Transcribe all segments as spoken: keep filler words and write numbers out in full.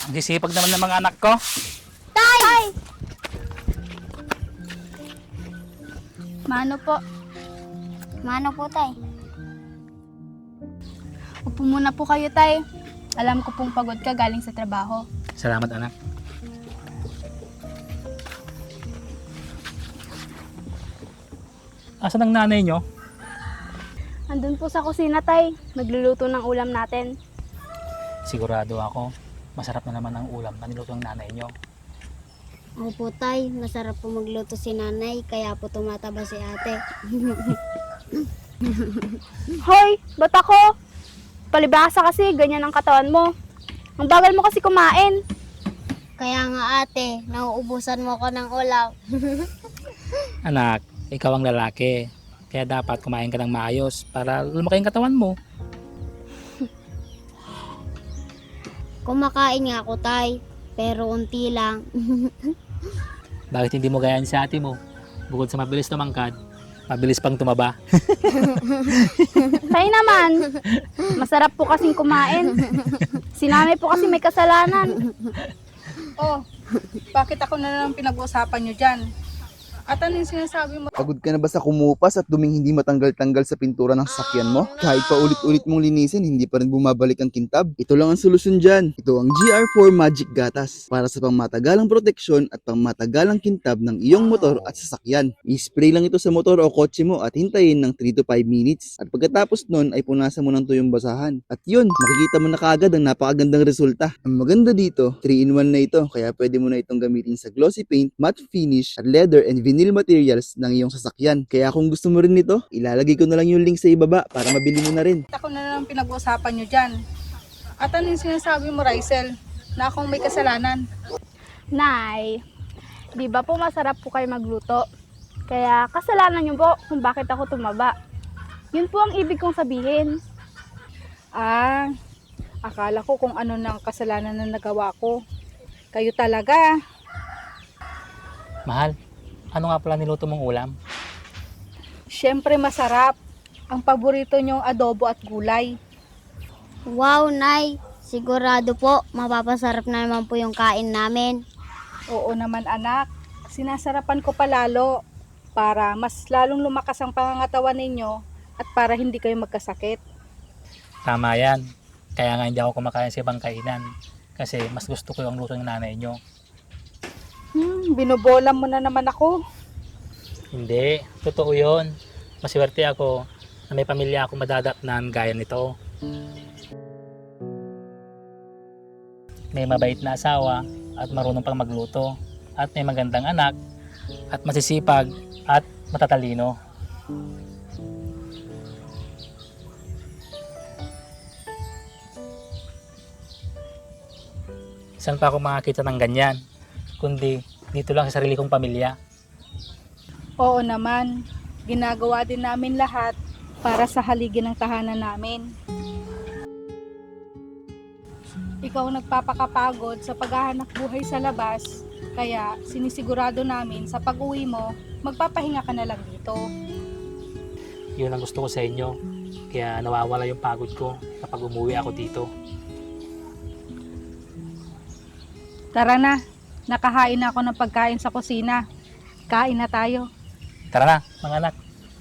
Ang sisipag naman ng mga anak ko. Tay! Tay! Mano po? Mano po, Tay? Upo muna po kayo, Tay. Alam ko pong pagod ka galing sa trabaho. Salamat, anak. Asan ang nanay nyo? Andun po sa kusina, Tay. Nagluluto ng ulam natin. Sigurado ako, masarap na naman ang ulam na niluto ng nanay nyo. Opo, Tay. Masarap po magluto si nanay, kaya po tumataba si ate. Hoy, ba't ako? Palibhasa kasi, ganyan ang katawan mo. Ang bagal mo kasi kumain. Kaya nga ate, nauubusan mo ko ng ulam. Anak, ikaw ang lalaki. Kaya dapat kumain ka ng maayos para lumaki ang katawan mo. Kumakain nga ako, Tay. Pero unti lang. Bakit hindi mo gayaan si ate mo? Bukod sa mabilis tumangkad, mabilis pang tumaba. Tay naman, masarap po kasing kumain. Si nanay po kasi may kasalanan. Oh, bakit ako na lang pinag-uusapan nyo dyan? At ano yung sinasabi mo? Pagod ka na ba sa kumupas at duming hindi matanggal-tanggal sa pintura ng sasakyan mo? Kahit pa ulit-ulit mong linisin, hindi pa rin bumabalik ang kintab? Ito lang ang solusyon dyan. Ito ang G R four Magic Gatas para sa pangmatagalang proteksyon at pangmatagalang kintab ng iyong motor at sasakyan. I-spray lang ito sa motor o kotse mo at hintayin ng three to five minutes. At pagkatapos nun ay punasan mo ng tuyong basahan. At yun, makikita mo na kaagad ang napakagandang resulta. Ang maganda dito, three in one na ito, kaya pwede mo na itong gamitin sa glossy paint, matte finish, at leather and vinyl materials ng iyong sasakyan. Kaya kung gusto mo rin nito, ilalagay ko na lang yung link sa ibaba para mabili mo na rin. Ako na lang pinag-uusapan nyo dyan. At ano yung sinasabi mo, Rysel? Na akong may kasalanan. Nay, di ba po masarap po kayo magluto? Kaya kasalanan niyo po kung bakit ako tumaba. Yun po ang ibig kong sabihin. Ah, akala ko kung ano nang kasalanan na nagawa ko. Kayo talaga. Mahal, ano nga pala niluto mong ulam? Siyempre masarap. Ang paborito nyong adobo at gulay. Wow, Nay. Sigurado po, mapapasarap na naman po yung kain namin. Oo naman anak. Sinasarapan ko palalo para mas lalong lumakas ang pangangatawan ninyo at para hindi kayo magkasakit. Tama yan. Kaya nga hindi ako kumakain sa ibang kainan. Kasi mas gusto ko yung luto ng nanay nyo. Hmm, binobola mo na naman ako. Hindi, totoo yun. Maswerte ako na may pamilya ako madadatnan gaya nito. May mabait na asawa at marunong pang magluto. At may magandang anak at masisipag at matatalino. Saan pa ako makakita ng ganyan? Kundi dito lang sa sarili kong pamilya. Oo naman, ginagawa din namin lahat para sa haligi ng tahanan namin. Ikaw ang nagpapakapagod sa paghahanap buhay sa labas, kaya sinisigurado namin sa pag-uwi mo, magpapahinga ka na lang dito. Yun ang gusto ko sa inyo. Kaya nawawala yung pagod ko kapag umuwi ako dito. Tara na, nakahain na ako ng pagkain sa kusina. Kain na tayo. Tara na, mga anak.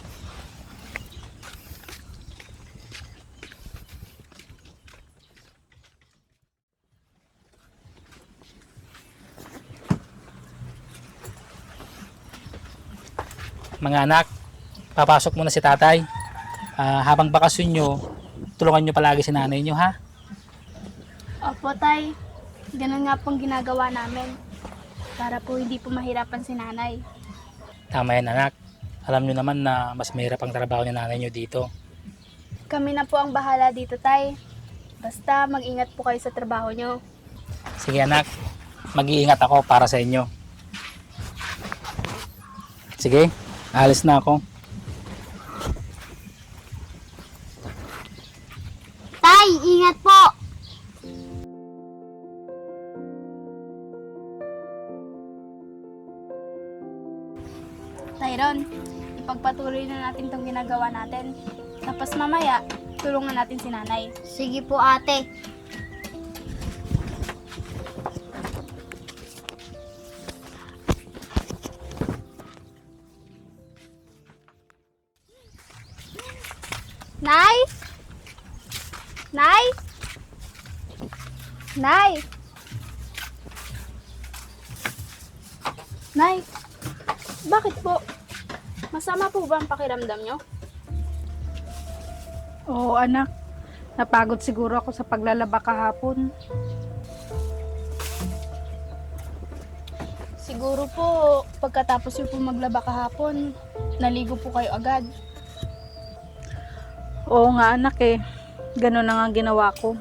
Mga anak, papasok muna si tatay. Ah, habang bakasyon nyo, tulungan nyo palagi si nanay nyo, ha? Opo, Tay. Ganun nga pong ginagawa namin. Para po hindi po mahirapan si nanay. Tama yan, anak. Alam nyo naman na mas mahirap ang trabaho ni nanay nyo dito. Kami na po ang bahala dito, Tay. Basta mag-ingat po kayo sa trabaho nyo. Sige, anak. Mag-iingat ako para sa inyo. Sige, alis na ako. Tay, ingat po! Tyron, ipagpatuloy na natin itong ginagawa natin. Tapos mamaya, tulungan natin si nanay. Sige po, ate. Nay? Nay? Nay? Nay? Bakit po? Masama po ba ang pakiramdam nyo? Oo anak, napagod siguro ako sa paglalaba kahapon. Siguro po, pagkatapos nyo po maglaba kahapon, naligo po kayo agad. Oo nga anak eh, ganun na nga ginawa ko.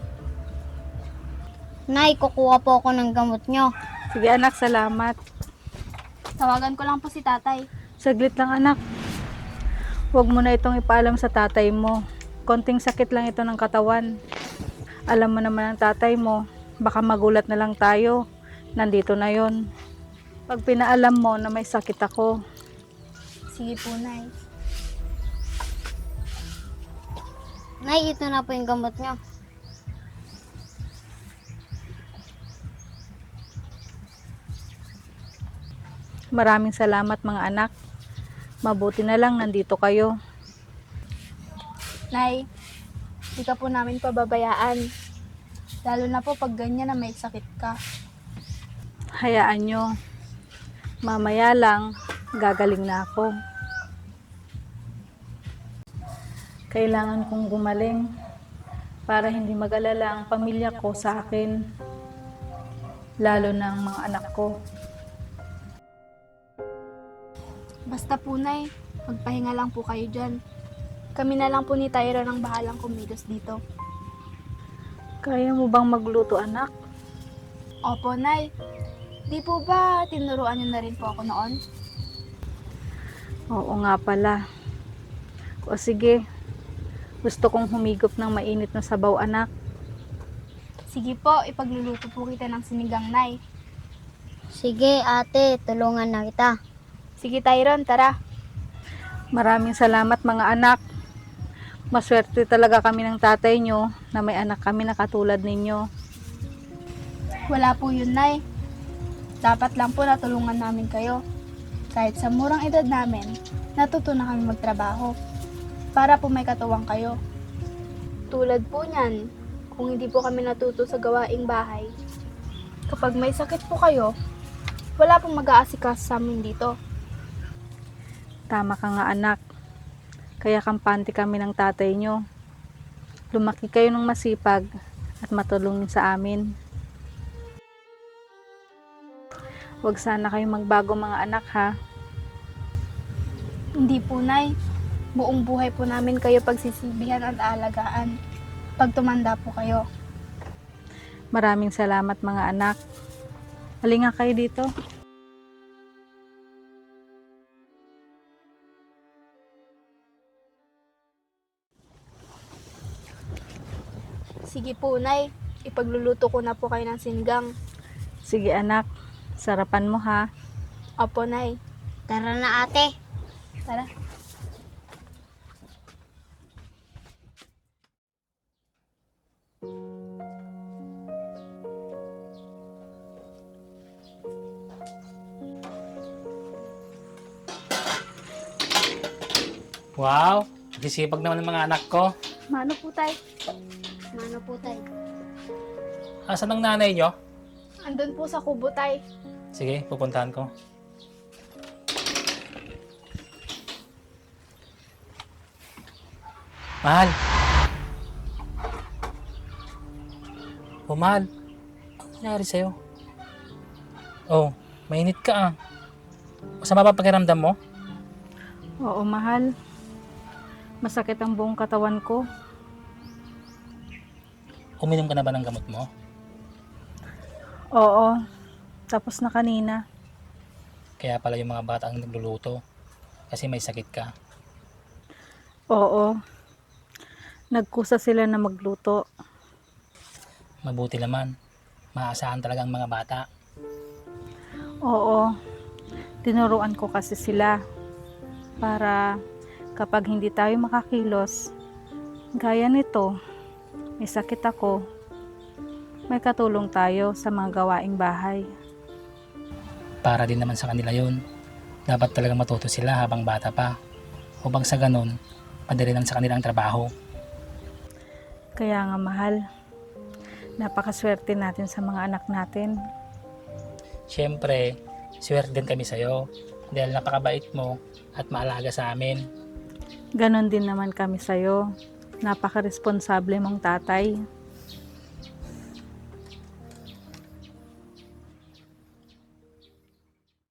Nay, kukuha po ako ng gamot nyo. Sige anak, salamat. Tawagan ko lang po si tatay. Saglit lang anak. Huwag mo na itong ipaalam sa tatay mo. Konting sakit lang ito ng katawan. Alam mo naman ang tatay mo, baka magulat na lang tayo. Nandito na yon. Pag pinaalam mo na may sakit ako, Sige po, Nay. Nay, ito na po yung gamot nyo. maraming salamat mga anak. Mabuti na lang nandito kayo. Nay, di ka po namin pababayaan. Lalo na po pag ganyan na may sakit ka. Hayaan nyo. Mamaya lang, gagaling na ako. Kailangan kong gumaling para hindi mag-alala ang pamilya ko sa akin, lalo na ang mga anak ko. Basta po, Nay, magpahinga lang po kayo dyan. Kami na lang po ni Tyra ang bahalang kumilos dito. Kaya mo bang magluto, anak? Opo, Nay. Di po ba tinuruan niyo na rin po ako noon? Oo nga pala. O sige, gusto kong humigop ng mainit na sabaw, anak. Sige po, ipagluluto po kita ng sinigang, Nay. Sige ate, tulungan na kita. Sige, Tyron, tara. Maraming salamat mga anak. Maswerte talaga kami ng tatay nyo na may anak kami na katulad ninyo. Wala po yun, Nay. Dapat lang po natulungan namin kayo. Kahit sa murang edad namin, natuto na kami magtrabaho. Para po may katuwang kayo. Tulad po niyan, kung hindi po kami natuto sa gawaing bahay, kapag may sakit po kayo, wala pong mag-aasikas sa amin dito. Tama ka nga anak. Kaya kampante kami ng tatay nyo. Lumaki kayo ng masipag at matulungin sa amin. Huwag sana kayong magbago mga anak ha. Hindi po, Nay. Buong buhay po namin kayo pagsisibihan at aalagaan. Pag tumanda po kayo. Maraming salamat mga anak. Halika kayo dito. Sige po, Nay. Ipagluluto ko na po kayo ng sinigang. Sige anak, sarapan mo ha. Opo, Nay. Tara na ate. Tara. Wow, sisipag naman ng mga anak ko. Mano po, Tay? Mano po tayo. Asan ang nanay nyo? Andun po sa kubo, Tay. Sige, pupuntahan ko. Mahal. Oh, mahal. Ano nangyari sa'yo? Oh, mainit ka ah. Masama ba pakiramdam mo? Oo mahal. Masakit ang buong katawan ko. Uminom ka na ba ng gamot mo? Oo. Tapos na kanina. Kaya pala yung mga bata ang nagluluto. Kasi may sakit ka. Oo. Nagkusa sila na magluto. Mabuti naman. Maasahan talaga ang mga bata. Oo. Tinuruan ko kasi sila para kapag hindi tayo makakilos, gaya nito, may sakit ako, may katulong tayo sa mga gawaing bahay. Para din naman sa kanila yun. Dapat talaga matuto sila habang bata pa. Upang sa ganun, madali lang sa kanilang trabaho. Kaya nga mahal, napakaswerte natin sa mga anak natin. Siyempre, swerte din kami sa'yo dahil napakabait mo at maalaga sa amin. Ganon din naman kami sa'yo. Napaka-responsable mong tatay.